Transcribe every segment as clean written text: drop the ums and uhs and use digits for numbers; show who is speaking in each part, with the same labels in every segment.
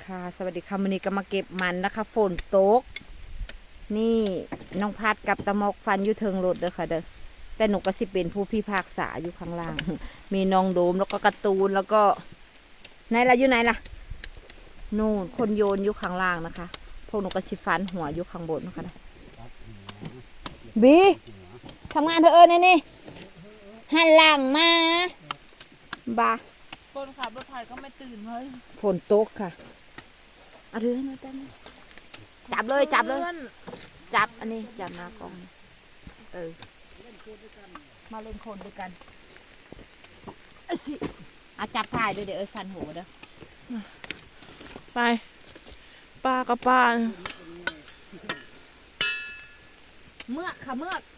Speaker 1: ค่ะสวัสดีค่ะวันนี้ก็มาเก็บมันนะคะฝนตกนี่น้องพัดกับตะมอกฟันอยู่เทิงรถเด้อค่ะเด้อแต่หนูก็สิเป็นผู้พิพากษาอยู่ข้างล่าง มีน้องโดมแล้วก็การ์ตูนแล้วก็ไหนล่ะอยู่ไหนล่ะนู่นคนโยนอยู่ข้างล่างนะคะพวกหนูก็สิฟันหัวอยู่ข้างบนนะคะบีทำงานเธอนี่หันหลังมาบ้า
Speaker 2: คนขับรถไถก็ไม่ตื่นเลย
Speaker 1: ฝนตกค่ะเอาถือให้หน่อยได้ไหมจับเลยจับอันนี้จับหน้ากล้องมาเล่นคนด้วยกันสิจับถ่ายด้วยเดี๋ยวฟันหัวเด้อ
Speaker 2: ไปป้ากับป้า
Speaker 1: เมือกค่ะเมือก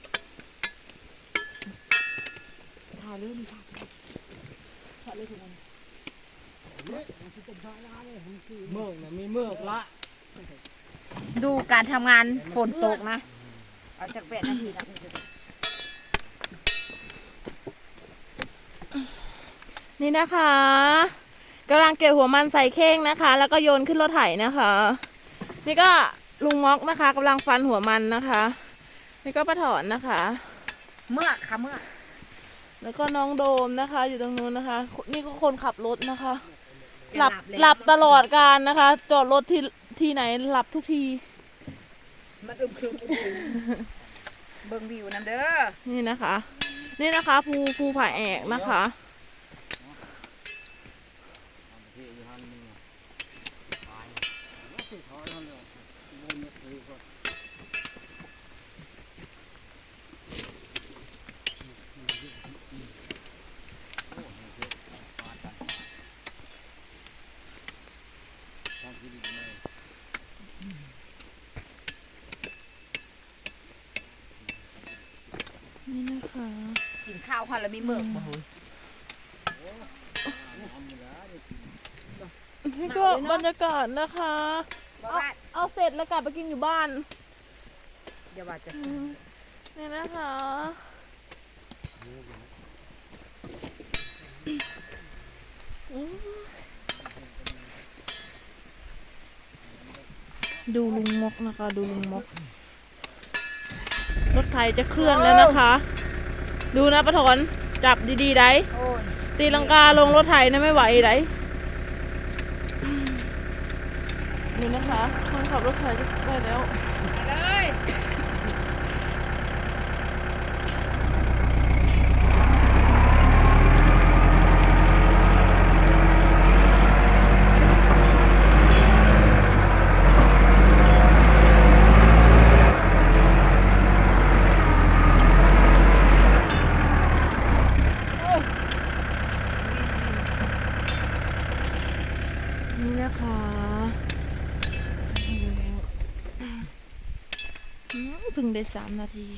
Speaker 1: ถ่ายเลยถ่ายเลยทุกคน
Speaker 3: เมือกนะมีเมือกละ
Speaker 1: ดูการทำงานฝนตกนะเอาจาก8 นาทีนะ
Speaker 2: นี่นะคะกำลังเก็บหัวมันใส่เข่งนะคะแล้วก็โยนขึ้นรถไถนะคะนี่ก็ลุงม็อกนะคะกำลังฟันหัวมันนะคะนี่ก็ป้าถอนนะคะ
Speaker 1: เมือกค่ะเมือก
Speaker 2: แล้วก็น้องโดมนะคะอยู่ตรงนู้นนะคะนี่ก็คนขับรถนะคะหลับตลอดการนะคะจอดรถที่ไหนหลับทุกที
Speaker 1: มันอึมครึมเบิ่งวิวน้ำเด้อ
Speaker 2: นี่นะคะภูผาแอกนะคะนี่นะคะ
Speaker 1: กินข้าวค่ะแล้วมีเมือก
Speaker 2: นี่ก็บรรยากาศนะคะเอาเสร็จแล้วกลับไปกินอยู่บ้าน
Speaker 1: เดี๋ยวว่าจะ
Speaker 2: นี่นะคะดูลุงมกนะคะดูลุงมกรถไถจะเคลื่อนแล้วนะคะดูนะป้าถอนจับดีๆได้ตีลังกาลงรถไถนะไม่ไหวได้ดูนะคะคนขับรถไถจะได้แล้วเลยนี่นะคะเพิ่งได้3 นาที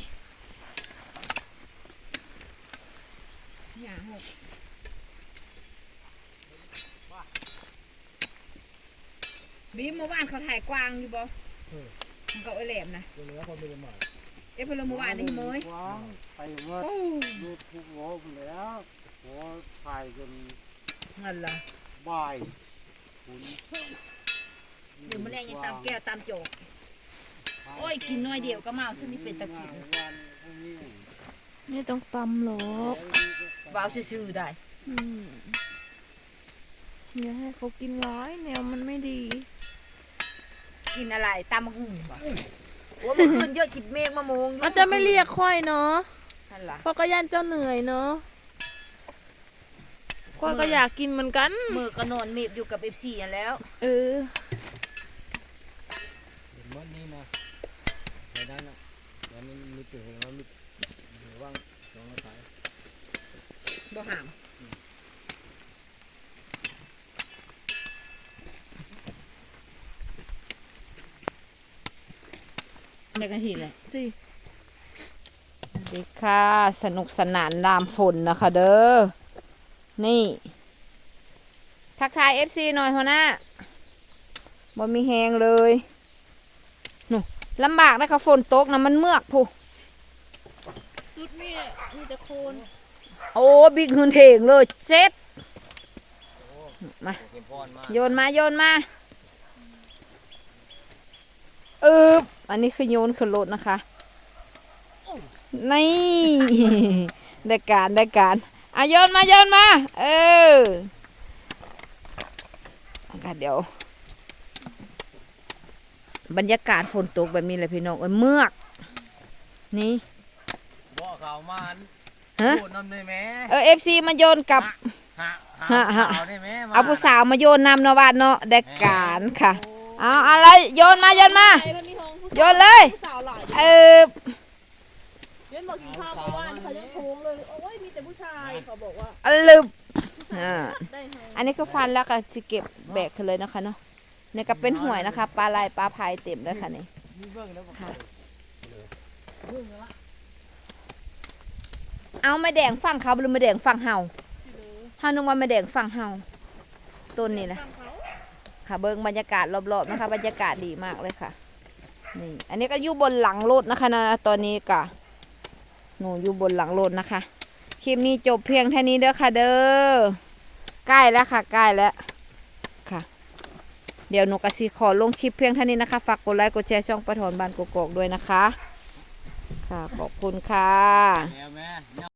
Speaker 1: บีมเมื่อวานเขาถ่ายกวางอยู่บ่มันก็ไอแหลมนะ
Speaker 3: เหลือคนเป็นหมา
Speaker 1: เพิ่นเมื่อวานนี่เมย
Speaker 3: ไปว่าดูทุกหัวแล้วหัวถ่ายจน
Speaker 1: เงินละ
Speaker 3: บ่ายคุณ
Speaker 1: เดี๋ยวมื้อแรกยังตามแก้วตามโจกโอ้ยกินน้อยเดียวก็เมาซึ่งนี่เป็นตะกิน
Speaker 2: ไม่ต้องตำหรอก
Speaker 1: ว้าวซื่อๆได้
Speaker 2: อย่าให้เขากินร้ายแนวมันไม่ดี
Speaker 1: กินอะไรตามมะฮุ่งบ่โอ้ยมันขึ้นเยอะจิตเมฆมะมง
Speaker 2: มันจะไม่เรียกค่อยเนาะเพราะก็ย่านเจ้าเหนื่อยเนาะค่อยก็อยากกินเหมือนกัน
Speaker 1: มือก็นอนเมฟอยู่กับ FC อันแล้ว
Speaker 3: เห็นมันนี่นะในนั้นนะแล้วมันมีตัวเห็นว่ามีว่างลองมาถ่าย
Speaker 1: บ่หามเด็กนาทีเลย
Speaker 2: สิ
Speaker 1: ดีค่ะสนุกสนานลามฝนนะคะเด้อนี่ทักทาย FC หน่อยหัวหน้าบ่มีแหงเลยหนูลำบากนะคะฝนตกนะมันเมือกผู้
Speaker 2: ชุดมีแต่โคน
Speaker 1: โอ้บิ๊กหืนเถงเลยเซ็ตมาโยนมาอันนี้คือโยนขึ้นรถนะคะ นี่ ได้การอ่ะโยนมาค่ะเดี๋ยว บรรยากาศฝนตกแบบนี้เลยพี่น้องเมือกนี่
Speaker 3: บ่เขามัน
Speaker 1: ฮะ
Speaker 3: โดดน้ำได้ไหม
Speaker 1: FC มาโยนกับ
Speaker 3: หาเอาได้ไหม
Speaker 1: เอาผู้สาวมาโยนนำเนาะบ้านเนาะได้การค่ะ เอาอะไรโยนมา
Speaker 2: ไปแล้วมีห้องผู้
Speaker 1: โยนเลย
Speaker 2: ผู้สาวหลาย เล่นบอกกินข้าวเมื่อวานเขายังโค้งเลยโอ้ยมีแต่ผู้ชายเขาบอกว่า
Speaker 1: ลืม
Speaker 2: ได้ให้
Speaker 1: อันนี้ก็ฟันแล้วก็จะเก็บแบกขึ้นเลยนะคะเนาะนี่ก็เป็นหวยนะคะ ปลาลายปลาพายเต็มเลยค่ะนี่
Speaker 3: มีเบิ่งแล้วบ่
Speaker 1: ค่ะ เอาไม่แดงฝั่งเขาหรือไม่แดงฝั่งเฮาเฮานึกว่าไม่แดงฝั่งเฮาต้นนี่นะ
Speaker 2: ฟังเขา
Speaker 1: ค่ะเบิ้งบรรยากาศรอบๆนะคะ บรรยากาศดีมากเลยค่ะนี่อันนี้ก็อยู่บนหลังรถนะคะนะตอนนี้ก็หนูอยู่บนหลังรถนะคะคลิปนี้จบเพียงเท่านี้เด้อค่ะเด้อใกล้แล้วค่ะใกล้แล้วค่ะ เดี๋ยวหนูกสิขอลงคลิปเพียงเท่านี้นะคะฝากกดไลค์กดแชร์ช่องปะถอนบานกกอกด้วยนะคะค่ะขอบคุณค่ะ
Speaker 3: แล้วแม่